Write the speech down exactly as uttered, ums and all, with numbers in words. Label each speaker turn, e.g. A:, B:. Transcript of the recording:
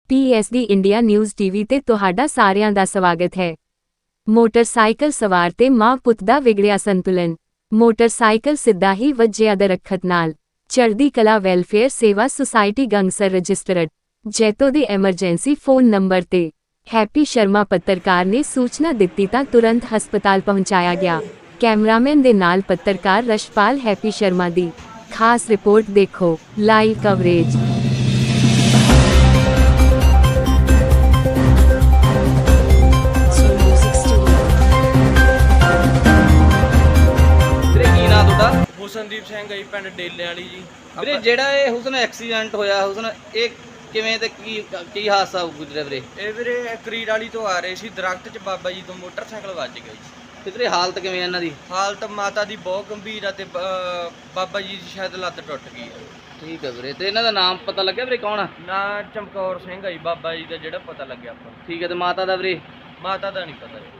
A: ਪੀ S D India news TV ਤੇ ਤੁਹਾਡਾ ਸਾਰਿਆਂ ਦਾ ਸਵਾਗਤ ਹੈ। ਮੋਟਰਸਾਈਕਲ ਸਵਾਰ ਤੇ ਮਾਂ ਪੁੱਤ ਦਾ ਵਿਗੜਿਆ ਸੰਤੁਲਨ। ਮੋਟਰਸਾਈਕਲ ਸਿੱਧਾ ਹੀ ਵੱਜਿਆ ਦਰੱਖਤ ਨਾਲ। ਚੜ੍ਹਦੀ ਕਲਾ ਵੈਲਫੇਅਰ ਸੇਵਾ ਸੁਸਾਇਟੀ ਗੰਗਸਰ ਰਜਿਸਟਰਡ ਜੈਤੋ ਦੇ ਐਮਰਜੈਂਸੀ ਫੋਨ ਨੰਬਰ ਤੇ ਹੈਪੀ ਸ਼ਰਮਾ ਪੱਤਰਕਾਰ ਨੇ ਸੂਚਨਾ ਦਿੱਤੀ ਤਾਂ ਤੁਰੰਤ ਹਸਪਤਾਲ ਪਹੁੰਚਾਇਆ ਗਿਆ। ਕੈਮਰਾਮੈਨ ਦੇ ਨਾਲ ਪੱਤਰਕਾਰ ਰਸ਼ਪਾਲ ਹੈਪੀ ਸ਼ਰਮਾ ਦੀ ਖਾਸ ਰਿਪੋਰਟ ਦੇਖੋ। Live coverage.
B: ਹੁਸਨਦੀਪ ਸਿੰਘ ਜੀ, ਪਿੰਡ ਡੇਲੇ ਵਾਲੀ ਜੀ।
C: ਵੀਰੇ ਜਿਹੜਾ ਇਹ ਹੁਸਨ ਐਕਸੀਡੈਂਟ ਹੋਇਆ, ਹੁਸਨ ਇਹ ਕਿਵੇਂ ਤੇ ਕੀ ਕੀ ਹਾਦਸਾ ਗੁਜ਼ਰਿਆ ਵੀਰੇ?
B: ਇਹ ਵੀਰੇ ਕਰੀੜ ਵਾਲੀ ਤੋਂ ਆ ਰਹੇ ਸੀ, ਦਰਖਤ 'ਚ ਬਾਬਾ ਜੀ ਤੋਂ ਮੋਟਰਸਾਈਕਲ ਵੱਜ ਗਿਆ ਜੀ।
C: ਤੇ ਵੀਰੇ ਹਾਲਤ ਕਿਵੇਂ ਇਹਨਾਂ ਦੀ?
B: ਹਾਲਤ ਮਾਤਾ ਦੀ ਬਹੁਤ ਗੰਭੀਰ ਆ ਤੇ ਬਾਬਾ ਜੀ ਦੀ ਸ਼ਾਇਦ ਲੱਤ ਟੁੱਟ ਗਈ ਆ।
C: ਠੀਕ ਹੈ ਵੀਰੇ, ਤੇ ਇਹਨਾਂ ਦਾ ਨਾਮ ਪਤਾ ਲੱਗਿਆ ਵੀਰੇ ਕੌਣ ਆ?
B: ਨਾ ਚਮਕੌਰ ਸਿੰਘ ਆ ਜੀ ਬਾਬਾ ਜੀ ਦਾ ਜਿਹੜਾ ਪਤਾ ਲੱਗਿਆ ਆਪਾਂ।
C: ਠੀਕ ਹੈ, ਤੇ ਮਾਤਾ ਦਾ ਵੀਰੇ?
B: ਮਾਤਾ ਦਾ ਨਹੀਂ ਪਤਾ ਜੀ।